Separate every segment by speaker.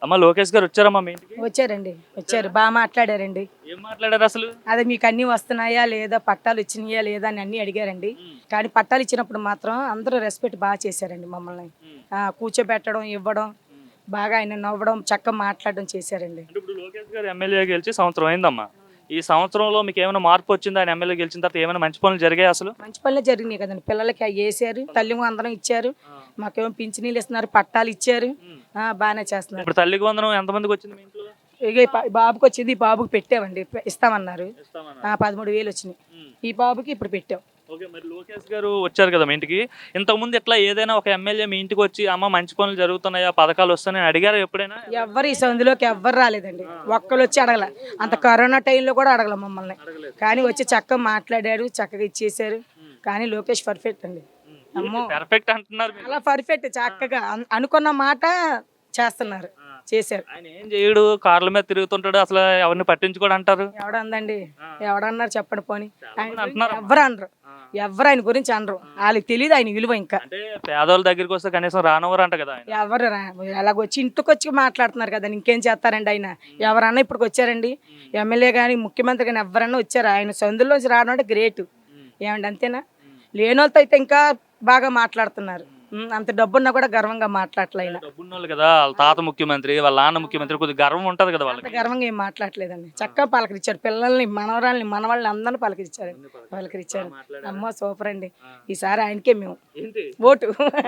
Speaker 1: అమ్మ లోకేష్ గారు వచ్చారమ్మా మీ ఇంటికి?
Speaker 2: వచ్చారండి, వచ్చారు, బాగా మాట్లాడారండి.
Speaker 1: ఏం మాట్లాడారు అసలు?
Speaker 2: అదే మీకు అన్ని వస్తున్నాయా లేదా, పట్టాలు ఇచ్చినాయా లేదా అని అన్ని అడిగారండి. కానీ పట్టాలు ఇచ్చినప్పుడు మాత్రం అందరూ రెస్పెక్ట్ బాగా చేశారండి మమ్మల్ని. కూర్చోబెట్టడం, ఇవ్వడం, బాగా ఆయన నవ్వడం, చక్కగా మాట్లాడడం చేశారండి.
Speaker 1: అంటే ఇప్పుడు లోకేష్ గారు ఎమ్మెల్యే గెలిచి సంవత్సరం అయిందమ్మా. ఈ సంవత్సరంలో మీకు ఏమైనా మార్పు వచ్చిందా? ఆయన ఎమ్మెల్యే గెలిచిన తర్వాత ఏమైనా మంచి పనులు జరిగాయి అసలు?
Speaker 2: మంచి పనులే జరిగినాయి కదండి. పిల్లలకి అవి వేసారు, తల్లి వందనం ఇచ్చారు, మాకేమో పింఛనీళ్ళు ఇస్తున్నారు, పట్టాలు ఇచ్చారు, బాగానే చేస్తున్నారు.
Speaker 1: ఇప్పుడు తల్లికి వందనం ఎంతమందికి వచ్చింది మీ ఇంట్లో?
Speaker 2: ఇక ఈ బాబుకి వచ్చింది, ఈ బాబుకి పెట్టామండి, ఇస్తామన్నారు. 13,000 వచ్చినాయి. ఈ బాబుకి ఇప్పుడు పెట్టాం.
Speaker 1: ఓకే, మరి లోకేష్ గారు వచ్చారు కదా మీ ఇంటికి. ఇంతకుముందు ఇట్లా ఏదైనా ఒక ఎమ్మెల్యే మీ ఇంటికి వచ్చి అమ్మ మంచి పనులు జరుగుతున్నాయా, పథకాలు వస్తున్నాయని అడిగారా ఎప్పుడైనా?
Speaker 2: ఎవ్వరు ఈ సందులోకి ఎవ్వరు రాలేదండి. ఒక్కరు వచ్చి అడగల. అంత కరోనా టైంలో కూడా అడగల మమ్మల్ని. కానీ వచ్చి చక్కగా మాట్లాడారు, చక్కగా ఇచ్చేసారు. కానీ లోకేష్ పర్ఫెక్ట్ అండి. అమ్మో,
Speaker 1: పర్ఫెక్ట్ అంటున్నారు.
Speaker 2: అలా పర్ఫెక్ట్, చక్కగా అనుకున్న మాట చేస్తున్నారు, చేశారు.
Speaker 1: ఆయన ఏం చేయడు, కార్ల మీద తిరుగుతుంటాడు, అసలు ఎవరిని పట్టించుకోడు అంటారు.
Speaker 2: ఎవడందండి, ఎవడన్నారు చెప్పండి పోనీ.
Speaker 1: అంటున్నారు.
Speaker 2: ఎవరు అనరు, ఎవరు ఆయన గురించి అనరు. వాళ్ళకి తెలియదు ఆయన విలువ. ఇంకా
Speaker 1: అంటే పేదోళ్ళ దగ్గరికి వస్తే కనీసం రానవరు అంట కదా ఆయన.
Speaker 2: ఎవరు అలాగొచ్చి ఇంటికి వచ్చి మాట్లాడుతున్నారు కదా, ఇంకేం చేస్తారండి ఆయన. ఎవరన్నా ఇప్పటికి వచ్చారండి, ఎమ్మెల్యే కానీ ముఖ్యమంత్రి కానీ ఎవరన్నా వచ్చారు. ఆయన సందులోంచి రావడం అంటే గ్రేట్. ఏమండి, అంతేనా? లేని వాళ్ళతో అయితే ఇంకా బాగా మాట్లాడుతున్నారు. అంత డబ్బున్నా కూడా గర్వంగా మాట్లాడలేదు.
Speaker 1: డబ్బున్నోళ్ళు కదా, వాళ్ళ తాత ముఖ్యమంత్రి, వాళ్ళ నాన్న ముఖ్యమంత్రి, కొద్దిగా గర్వం ఉంటది కదా వాళ్ళకి.
Speaker 2: గర్వంగా ఏం మాట్లాడలేదండి. చక్కగా పలకరించారు, పిల్లల్ని, మనవరాల్ని, మనవాళ్ళని అందరిని పలకరించారు. అమ్మో సూపర్ అండి. ఈసారి ఆయనకే మేము ఓటు.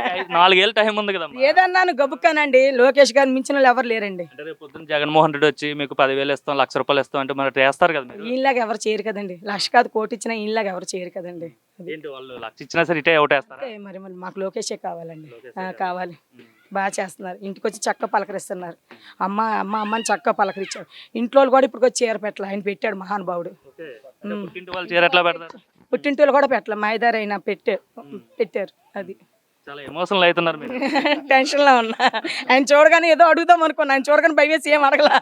Speaker 1: 4 ఏళ్ళ టైం ఉంది కదా.
Speaker 2: ఏదన్నాను గబుక్కానండి, లోకేష్ గారిని మించిన వాళ్ళు ఎవరు లేరండి.
Speaker 1: అంటే రేపు పొద్దున్న జగన్మోహన్ రెడ్డి వచ్చి మీకు 10,000 ఇస్తాం, 1,00,000 రూపాయలు ఇస్తాం అంటే మరి చేస్తారు కదా.
Speaker 2: ఈయనలాగా ఎవరు చేయరు కదండి. 1,00,000 కాదు, కోటి ఇచ్చినా ఈయనలాగా ఎవరు చేయరు కదండి.
Speaker 1: ఏంటి వాళ్ళు 1,00,000 ఇచ్చినా సరే ఇటే ఒకటేస్తారా?
Speaker 2: మరి మాకు లోకేషే కావాలండి. కావాలి. బాగా చేస్తున్నారు. ఇంటికి వచ్చి చక్కగా పలకరిస్తున్నారు. అమ్మని చక్కగా పలకరించారు. ఇంట్లో వాళ్ళు కూడా ఇప్పుడు వచ్చి చీర పెట్టాలి, ఆయన పెట్టాడు మహానుభావుడు. పుట్టింటి వాళ్ళు కూడా పెట్టాలి, మాయదారి అయినా పెట్టారు. అది
Speaker 1: చాలా ఎమోషనల్ అవుతున్నారు మీరు.
Speaker 2: టెన్షన్లో ఉన్నా. ఆయన చూడగానే ఏదో అడుగుదాం అనుకున్నా, ఆయన చూడగానే భయం వేసి ఏం అడగలా.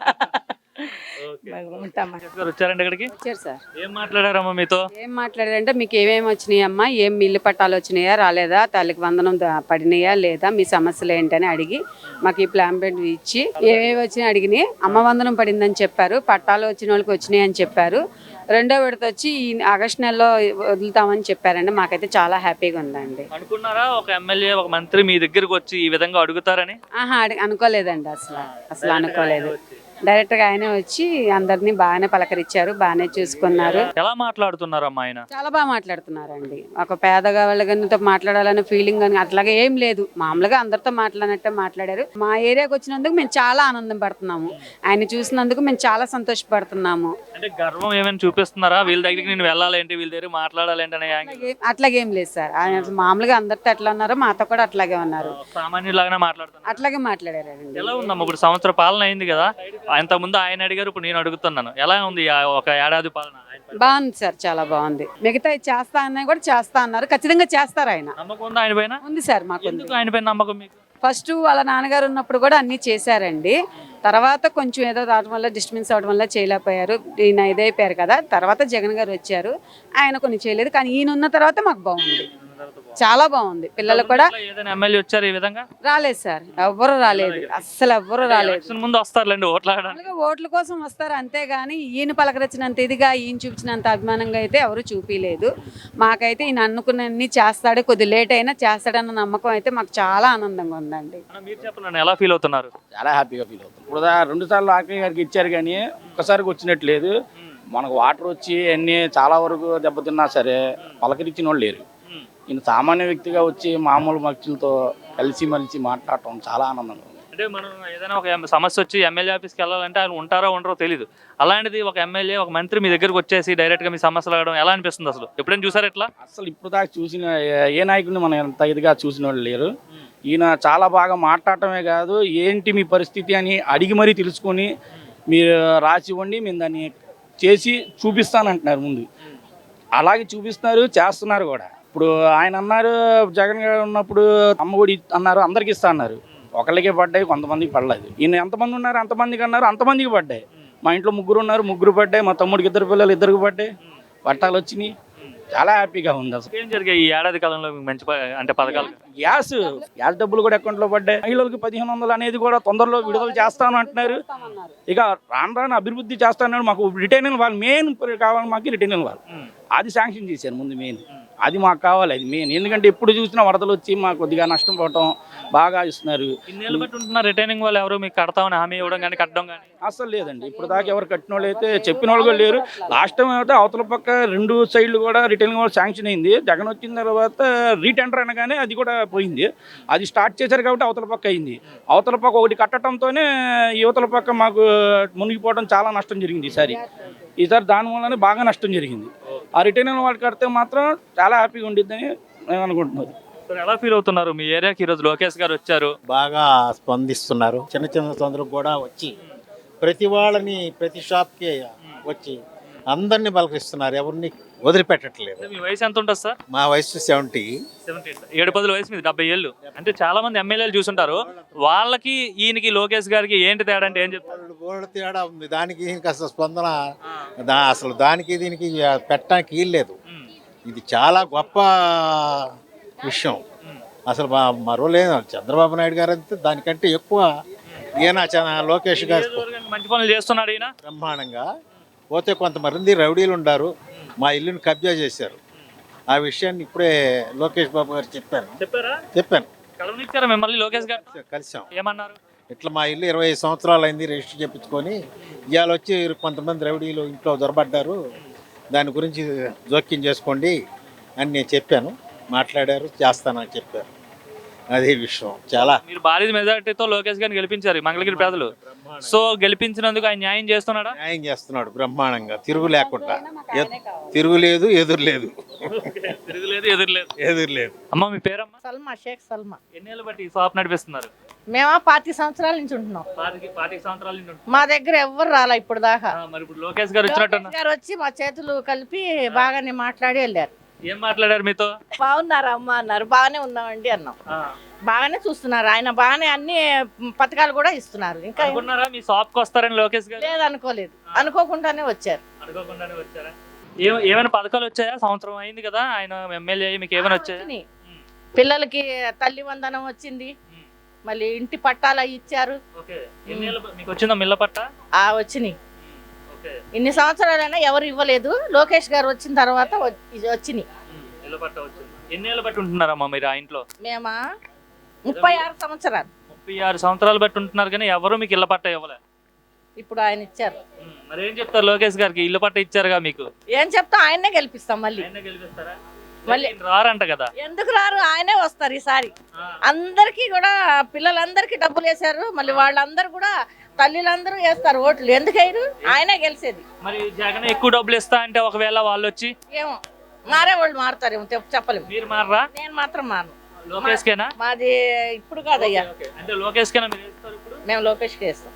Speaker 1: వచ్చారండి ఇక్కడికి.
Speaker 3: వచ్చారు సార్.
Speaker 1: ఏం మాట్లాడారమ్మా మీతో?
Speaker 3: ఏం మాట్లాడారంటే మీకు ఏమేమి వచ్చినాయి అమ్మా, ఏం ఇల్లు పట్టాలు వచ్చినాయా రాలేదా, తల్లికి వందనం పడినాయా లేదా, మీ సమస్యలు ఏంటని అడిగి మాకు ఈ ప్లాన్ బెడ్ ఇచ్చి ఏమేమి వచ్చినాయి అడిగినాయి. అమ్మ వందనం పడిందని చెప్పారు, పట్టాలు వచ్చిన వాళ్ళకి వచ్చినాయి అని చెప్పారు. 2వ విడత వచ్చి ఈ ఆగస్టు నెలలో వదులుతామని చెప్పారండి. మాకైతే చాలా హ్యాపీగా ఉందండి.
Speaker 1: అనుకున్నారా ఒక ఎమ్మెల్యే, ఒక మంత్రి మీ దగ్గరకు వచ్చి ఈ విధంగా అడుగుతారని?
Speaker 3: అనుకోలేదండి, అసలు అనుకోలేదు. డైరెక్ట్ గా ఆయనే వచ్చి అందరినీ బాగానే పలకరించారు, బాగానే చూసుకున్నారు.
Speaker 1: ఎలా మాట్లాడుతున్నారు అమ్మా ఆయన?
Speaker 3: చాలా బాగా మాట్లాడుతున్నారండి. ఒక పేదగా వాళ్ళతో మాట్లాడాలనే ఫీలింగ్ అని అట్లాగే ఏం లేదు. మామూలుగా అందరితో మాట్లాడినట్టే మాట్లాడారు. మా ఏరియాకి వచ్చినందుకు మేము చాలా ఆనందం పడుతున్నాము. ఆయన చూసినందుకు మేము చాలా సంతోషపడుతున్నాము.
Speaker 1: అంటే గర్వం ఏమైనా చూపిస్తున్నారా? వీళ్ళ దగ్గరికి నేను వెళ్ళాలేంటి, వీళ్ళ దగ్గర మాట్లాడాలేంటి అనే?
Speaker 3: అట్లాగేం లేదు సార్. ఆయన మామూలుగా అందరితో ఎట్లా ఉన్నారో మాతో కూడా అట్లాగే ఉన్నారు.
Speaker 1: సామాన్యులాగానే మాట్లాడుతున్నారు.
Speaker 3: అట్లాగే మాట్లాడారండి.
Speaker 1: ఎలా ఉందమ్మా ఇప్పుడు సంవత్సర పాలన అయింది కదా, ఇంతకుముందు ఆయన అడిగారు, ఇప్పుడు నేను అడుగుతున్నాను. ఎలా ఉంది ఒక ఏడాది పాలన?
Speaker 3: బాగుంది సార్, చాలా బాగుంది. మిగతా చేస్తా అన్నా కూడా చేస్తా అన్నారు, ఖచ్చితంగా చేస్తారు. ఆయన
Speaker 1: నమ్మకం ఉందా ఆయన పైన?
Speaker 3: ఉంది సార్ మాకు.
Speaker 1: ఆయన పైన నమ్మకం మీకు?
Speaker 3: ఫస్ట్ వాళ్ళ నాన్నగారు ఉన్నప్పుడు కూడా అన్ని చేశారండి. తర్వాత కొంచెం ఏదో రావడం వల్ల, డిస్టర్బెన్స్ అవడం వల్ల చేయలేకపోయారు. ఈయన ఇదైపోయారు కదా, తర్వాత జగన్ గారు వచ్చారు, ఆయన కొన్ని చేయలేదు. కానీ ఈయన ఉన్న తర్వాత మాకు బాగుంది, చాలా బాగుంది. పిల్లలు కూడా
Speaker 1: ఎమ్మెల్యే వచ్చారు ఈ విధంగా?
Speaker 3: రాలేదు సార్, ఎవ్వరు రాలేదు, అస్సలు ఎవ్వరు రాలేదు.
Speaker 1: ముందు వస్తారులేండి
Speaker 3: ఓట్ల కోసం వస్తారు అంతేగాని ఈయన పలకరించినంత ఇదిగా, ఈయన చూపించినంత అభిమానంగా అయితే ఎవరు చూపించలేదు. మాకైతే ఈయన అనుకున్నన్ని చేస్తాడు, కొద్ది లేట్ అయినా చేస్తాడన్న నమ్మకం అయితే మాకు చాలా ఆనందంగా ఉందండి.
Speaker 1: మీరు చెప్పండి, ఎలా ఫీల్ అవుతున్నారు?
Speaker 4: చాలా హ్యాపీగా ఫీల్ అవుతుంది. ఇప్పుడు 2 సార్లు ఆర్కే గారికి ఇచ్చారు కానీ ఒక్కసారికి వచ్చినట్లేదు. మనకు వాటర్ వచ్చి అన్నీ చాలా వరకు దెబ్బతిన్నా సరే పలకరించిన వాళ్ళు లేరు. ఈయన సామాన్య వ్యక్తిగా వచ్చి మామూలు మనుషులతో కలిసిమెలిసి మాట్లాడటం చాలా ఆనందంగా ఉంది.
Speaker 1: అంటే మనం ఏదైనా ఒక సమస్య వచ్చి ఎమ్మెల్యే ఆఫీస్కి వెళ్ళాలంటే ఆయన ఉంటారో ఉండరో తెలియదు. అలాంటిది ఒక ఎమ్మెల్యే, ఒక మంత్రి మీ దగ్గరకు వచ్చేసి డైరెక్ట్గా మీ సమస్యలు అడగడం ఎలా అనిపిస్తుంది అసలు? ఎప్పుడైనా చూసారు ఇట్లా?
Speaker 4: అసలు ఇప్పుడు దాకా చూసిన ఏ నాయకుడిని మనం ఎంత ఇదిగా చూసిన వాళ్ళు లేరు. ఈయన చాలా బాగా మాట్లాడటమే కాదు, ఏంటి మీ పరిస్థితి అని అడిగి మరీ తెలుసుకొని మీరు రాసి ఇవ్వండి, మేము దాన్ని చేసి చూపిస్తానంటున్నారు. ముందు అలాగే చూపిస్తున్నారు, చేస్తున్నారు కూడా. ఇప్పుడు ఆయన అన్నారు, జగన్ గారు ఉన్నప్పుడు అమ్మఒడి అన్నారు, అందరికి ఇస్తా అన్నారు. ఒకళ్ళకే పడ్డాయి, కొంతమందికి పడలేదు. ఈయన ఎంతమంది ఉన్నారు అంతమందికి అన్నారు, అంతమందికి పడ్డాయి. మా ఇంట్లో 3 ఉన్నారు, 3 పడ్డాయి. మా తమ్ముడికి 2 పిల్లలు, 2కి పడ్డాయి. పట్టాలు వచ్చినాయి. చాలా హ్యాపీగా ఉంది అసలు.
Speaker 1: ఏం జరిగాయి ఈ ఏడాది కాలంలో మీకు మంచి అంటే పథకాలు?
Speaker 4: గ్యాస్ డబ్బులు కూడా అకౌంట్లో పడ్డాయి. మహిళలకు 1500 అనేది కూడా తొందరలో విడుదల చేస్తాను అంటున్నారు. ఇక రాను అభివృద్ధి చేస్తాను. మాకు రిటైనింగ్ వాళ్ళు మెయిన్ కావాలి, మాకు రిటైనింగ్ వాళ్ళు అది శాంక్షన్ చేశారు ముందు మెయిన్. అది మాకు కావాలి, అది మెయిన్. ఎందుకంటే ఎప్పుడు చూసినా వరదలు వచ్చి మాకు కొద్దిగా నష్టం పోవటం బాగా ఇస్తున్నారు.
Speaker 1: ఇన్నేళ్ళు బట్టి ఉంటున్నారు రిటైనింగ్ వాళ్ళు ఎవరు మీకు కడతామని హామీ ఇవ్వడం కానీ కట్టడం కానీ?
Speaker 4: అసలు లేదండి, ఇప్పుడు దాకా ఎవరు కట్టిన వాళ్ళు అయితే చెప్పిన వాళ్ళు కూడా లేరు. లాస్ట్ టైం అయితే అవతల పక్క 2 సైడ్లు కూడా రిటైనింగ్ వాళ్ళు శాంక్షన్ అయింది. జగన్ వచ్చిన తర్వాత రీటెండర్ అనగానే అది కూడా పోయింది. అది స్టార్ట్ చేశారు కాబట్టి అవతల పక్క అయింది. అవతల పక్క ఒకటి కట్టడంతోనే యువతల పక్క మాకు మునిగిపోవడం చాలా నష్టం జరిగింది ఈసారి దాని వల్లనే బాగా నష్టం జరిగింది. ఆ రిటైనింగ్ వాళ్ళు కడితే మాత్రం చాలా హ్యాపీగా ఉండిద్దని నేను అనుకుంటున్నాను.
Speaker 1: సార్ ఎలా ఫీల్ అవుతున్నారు? మీ ఏరియాకి ఈరోజు లోకేష్ గారు వచ్చారు,
Speaker 5: బాగా స్పందిస్తున్నారు. చిన్న చిన్న సందులకు కూడా వచ్చి ప్రతి వాళ్ళని ప్రతి షాప్కి వచ్చి అందరినీ పలకరిస్తున్నారు, ఎవరిని వదిలిపెట్టట్లేదు.
Speaker 1: మీ వయసు ఎంత ఉంటుంది సార్?
Speaker 5: మా వయసు 70.
Speaker 1: 7-10 వయసు మీద 70 ఏళ్ళు. అంటే చాలా మంది ఎమ్మెల్యేలు చూసుంటారు, వాళ్ళకి ఈయనకి లోకేష్ గారికి ఏంటి తేడా అంటే ఏం చెప్తారు?
Speaker 5: గోల్డ్ తేడా ఉంది. దానికి దీనికి అసలు స్పందన అసలు దానికి దీనికి పెట్టడానికి వీల్లేదు. ఇది చాలా గొప్ప విషయం. అసలు మరో లేదు, చంద్రబాబు నాయుడు గారు అంతే దానికంటే ఎక్కువ ఈయన లోకేష్ గారు
Speaker 1: మంచి పనులు చేస్తున్నాడు ఈయన
Speaker 5: బ్రహ్మాండంగా. పోతే కొంతమంది రౌడీలు ఉన్నారు, మా ఇల్లుని కబ్జా చేశారు. ఆ విషయాన్ని ఇప్పుడే లోకేష్ బాబు గారు చెప్పాను.
Speaker 1: కలవనిచ్చారా మిమ్మల్ని లోకేష్ గారు?
Speaker 5: కలిసాం.
Speaker 1: ఏమన్నారు?
Speaker 5: ఇట్లా మా ఇల్లు 25 సంవత్సరాలు అయింది రిజిస్టర్ చేయించుకొని, ఇవాళ వచ్చి కొంతమంది రౌడీలు ఇంట్లో దొరబడ్డారు, దాని గురించి జోక్యం చేసుకోండి అని నేను చెప్పాను. మాట్లాడారు, చేస్తానని చెప్పారు. అదే విషయం. చాలా
Speaker 1: మీరు భారీ మెజార్టీతో లోకేష్ గారిని గెలిపించారు మంగళగిరి ప్రజలు. సో గెలిపించినందుకు ఆయన న్యాయం చేస్తున్నాడా?
Speaker 5: న్యాయం చేస్తున్నాడు బ్రహ్మాండంగా, తిరుగు లేకుండా. తిరుగులేదు, ఎదురులేదు. ఎదురులేదు.
Speaker 1: అమ్మ మీ పేరమ్మా?
Speaker 6: సల్మా, షేక్ సల్మా.
Speaker 1: ఎన్నేళ్ళు బట్టి ఈ షాప్ నడిపిస్తున్నారు?
Speaker 6: మేము 40 సంవత్సరాల నుంచి ఉంటున్నాం.
Speaker 1: 40 సంవత్సరాల నుంచి
Speaker 6: మా దగ్గర ఎవ్వరు రాలా ఇప్పుడు దాకా.
Speaker 1: మరి ఇప్పుడు లోకేష్ గారు వచ్చినట్టు
Speaker 6: లోకేష్ గారు వచ్చి మా చేతులు కలిపి బాగానే మాట్లాడి వెళ్ళారు.
Speaker 1: ఏం మాట్లాడారు మీతో?
Speaker 6: బాగున్నారా అమ్మ అన్నారు. బాగానే ఉన్నామండి అన్నాం. బాగానే చూస్తున్నారు ఆయన, బాగానే అన్ని పథకాలు కూడా ఇస్తున్నారు. ఇంకా
Speaker 1: అనుకున్నారా మీ షాప్ కి వస్తారని లోకేష్ గారు?
Speaker 6: లేదు, అనుకోలేదు. అనుకోకుండానే వచ్చారు.
Speaker 1: అనుకోకుండానే వచ్చారా? ఏమైనా పథకాలు వచ్చాయా? సంవత్సరం అయింది కదా ఆయన ఎమ్మెల్యే, మీకు ఏమైనా వచ్చాయా?
Speaker 6: పిల్లలకి తల్లి వందనం వచ్చింది, మళ్ళీ ఇంటి పట్టాలు ఇచ్చారు.
Speaker 1: మీకు వచ్చిందా మిల్ల పట్ట?
Speaker 6: వచ్చినాయి. ఇన్ని సంవత్సరాలైనా ఎవరు ఇవ్వలేదు. లోకేష్ గారు వచ్చిన తర్వాత వచ్చినాయి.
Speaker 1: ఎన్నేళ్ళు బట్టి ఉంటున్నారమ్మా మీరు ఆ ఇంట్లో?
Speaker 6: మేమా 36 సంవత్సరాలు.
Speaker 1: 36 సంవత్సరాలు బట్టి ఉంటున్నారు కానీ ఎవరు మీకు ఇళ్ళ పట్ట ఇవ్వలే.
Speaker 6: ఇప్పుడు ఆయన ఇచ్చారు.
Speaker 1: మరి ఏం చెప్తారు లోకేష్ గారికి? ఇల్లు పట్ట ఇచ్చారుగా మీకు.
Speaker 6: ఏం చెప్తాం, ఆయన్నే గెలిపిస్తాం. మళ్ళీ
Speaker 1: రారంట కదా?
Speaker 6: ఎందుకు రారు, ఆయనే వస్తారు ఈసారి. అందరికి కూడా పిల్లలందరికీ డబ్బులు వేశారు. మళ్ళీ వాళ్ళందరూ కూడా తల్లిలందరూ వేస్తారు ఓట్లు. ఎందుకు వేయరు? ఆయనే గెలిచేది.
Speaker 1: మరి జగన్ ఎక్కువ డబ్బులు ఇస్తా అంటే ఒకవేళ వాళ్ళు వచ్చి
Speaker 6: ఏమో మారే వాళ్ళు మారుతారేమో చెప్పలేము.
Speaker 1: మీరు మారరా?
Speaker 6: నేను మాత్రం మాను.
Speaker 1: లోకేష్ కేనా?
Speaker 6: మాది ఇప్పుడు కాదయ్యా.
Speaker 1: అంటే లోకేష్ కేనా మీరు వేస్తారు? ఇప్పుడు
Speaker 6: మేము లోకేష్కి వేస్తాం.